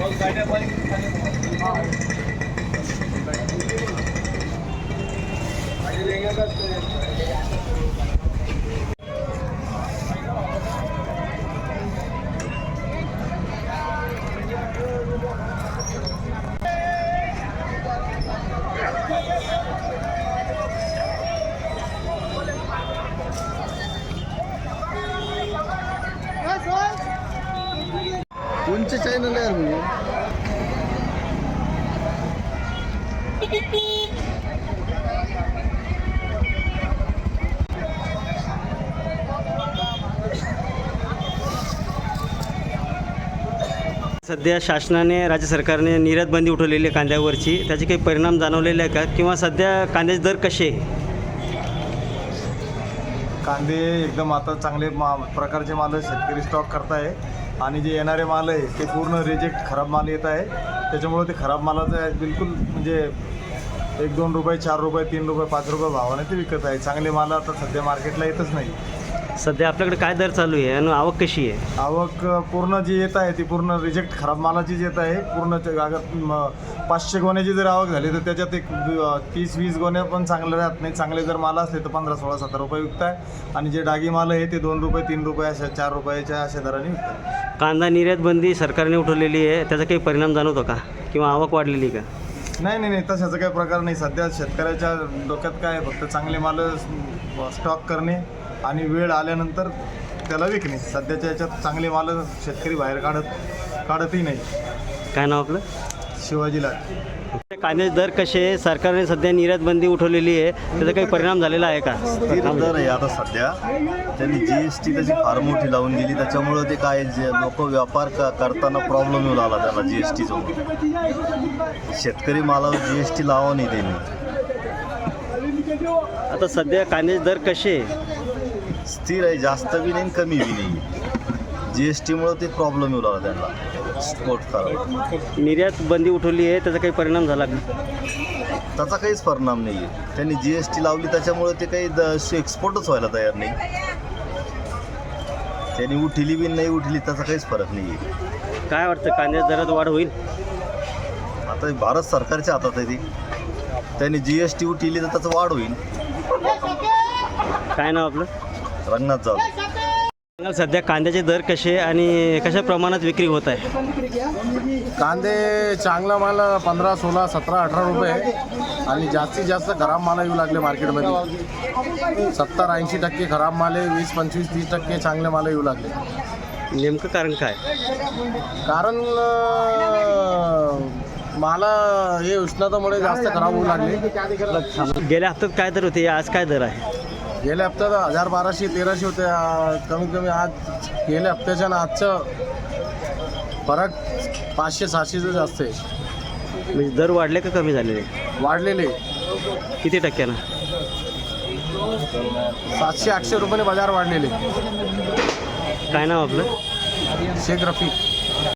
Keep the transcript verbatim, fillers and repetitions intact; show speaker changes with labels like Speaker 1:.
Speaker 1: कोणचे चॅनल आहे म्हणजे
Speaker 2: सध्या शासनाने राज्य सरकारने निर्यात बंदी उठवलेली आहे कांद्यावरची, त्याचे काही परिणाम जाणवलेले आहे का किंवा सध्या कांद्याचे दर कसे आहे?
Speaker 3: कांदे एकदम आता चांगले मा प्रकारचे माल शेतकरी स्टॉक करताय आणि जे येणारे माल आहे ते पूर्ण रिजेक्ट खराब माल येत आहे. त्याच्यामुळे ते खराब मालाचं बिलकुल म्हणजे एक दोन रुपये चार रुपये तीन रुपये पाच रुपये भावाने ते विकत आहे. चांगले माल आता सध्या मार्केटला येतच नाही.
Speaker 2: सध्या आपल्याकडे काय दर चालू आहे आणि आवक कशी आहे?
Speaker 3: आवक पूर्ण जी येत आहे ती पूर्ण रिजेक्ट खराब मालाचीच येत आहे. पूर्ण अगर पाचशे गोण्याची जर आवक झाली तर त्याच्यात एक तीस वीस गोण्या पण चांगल्या राहत नाही. चांगले जर माल असले तर पंधरा सोळा सतरा रुपये विकत आहे आणि जे डागी माल आहे ते दोन रुपये तीन रुपये अशा चार रुपयाच्या अशा दराने विकतात.
Speaker 2: कांदा निर्यात बंदी सरकारने उठवलेली आहे, त्याचा काही परिणाम जाणवतो का किंवा आवक वाढलेली का?
Speaker 3: नाही नाही नाही तशाचा काही प्रकार नाही. सध्या शेतकऱ्याच्या डोक्यात काय आहे, फक्त चांगले माल स्टॉक करणे आणि वेळ आल्यानंतर त्याला विकणे. सध्याच्या याच्यात चांगले माल शेतकरी बाहेर काढत काढतही नाही.
Speaker 2: काय नाव आपलं?
Speaker 3: शिवाजीला
Speaker 2: कांद्याचे दर कसे आहे? सरकारने सध्या निर्यात बंदी उठवलेली आहे, त्याचा काही परिणाम झालेला आहे का?
Speaker 1: स्थिर दर आहे आता सध्या. त्यांनी जी एस टी त्याची फार मोठी लावून दिली, त्याच्यामुळं ते काय जे लोक व्यापार क करताना प्रॉब्लेम येऊ लागला त्यांना जी एस टीचं. शेतकरी मालावर जी एस टी लावा नाही त्यांनी.
Speaker 2: आता सध्या कांद्याचे दर कसे आहे?
Speaker 1: स्थिर आहे, जास्त बी नाही कमी बी नाही. जी एस टीमुळं ते प्रॉब्लेम येऊ लागला त्यांना स्पोर्ट करायला.
Speaker 2: निर्यात बंदी उठवली आहे, त्याचा काही परिणाम झाला का?
Speaker 1: त्याचा काहीच परिणाम नाही आहे. त्यांनी जी एस टी लावली त्याच्यामुळे ते काही द एक्सपोर्टच व्हायला तयार नाही. त्यांनी उठली बी नाही उठली त्याचा काहीच फरक नाही आहे.
Speaker 2: काय वाटतं, कांद्याच्या दरात वाढ होईल?
Speaker 1: आता भारत सरकारच्या हातात आहे ती. त्यांनी जी एस टी उठली तर त्याचं वाढ होईल.
Speaker 2: काय नाव आपलं?
Speaker 1: रंगनाथ जाधव.
Speaker 2: सध्या कांद्याचे दर कसे आणि कशा प्रमाणात विक्री होत आहे?
Speaker 4: कांदे चांगला माल पंधरा सोळा सतरा अठरा रुपये आणि जास्तीत जास्त खराब माल येऊ लागले मार्केटमध्ये. सत्तर ऐंशी टक्के खराब माल आहे, वीस पंचवीस तीस टक्के चांगले माल येऊ लागले.
Speaker 2: नेमकं कारण काय?
Speaker 4: कारण माला हे उष्णतामुळे जास्त खराब होऊ लागले.
Speaker 2: गेल्या हप्त्यात काय दर होते, आज काय दर आहे?
Speaker 4: गेल्या हप्त्यात हजार बाराशे तेराशे होते. कमीत कमी आज गेल्या हप्त्याच्या ना आजचं फरक पाचशे सहाशेचं जास्त आहे.
Speaker 2: म्हणजे दर वाढले का कमी झालेले?
Speaker 4: वाढलेले.
Speaker 2: किती टक्क्यानं?
Speaker 4: सातशे आठशे रुपयाने बाजार वाढलेले.
Speaker 2: काय नाव आपलं?
Speaker 4: शेख रफी.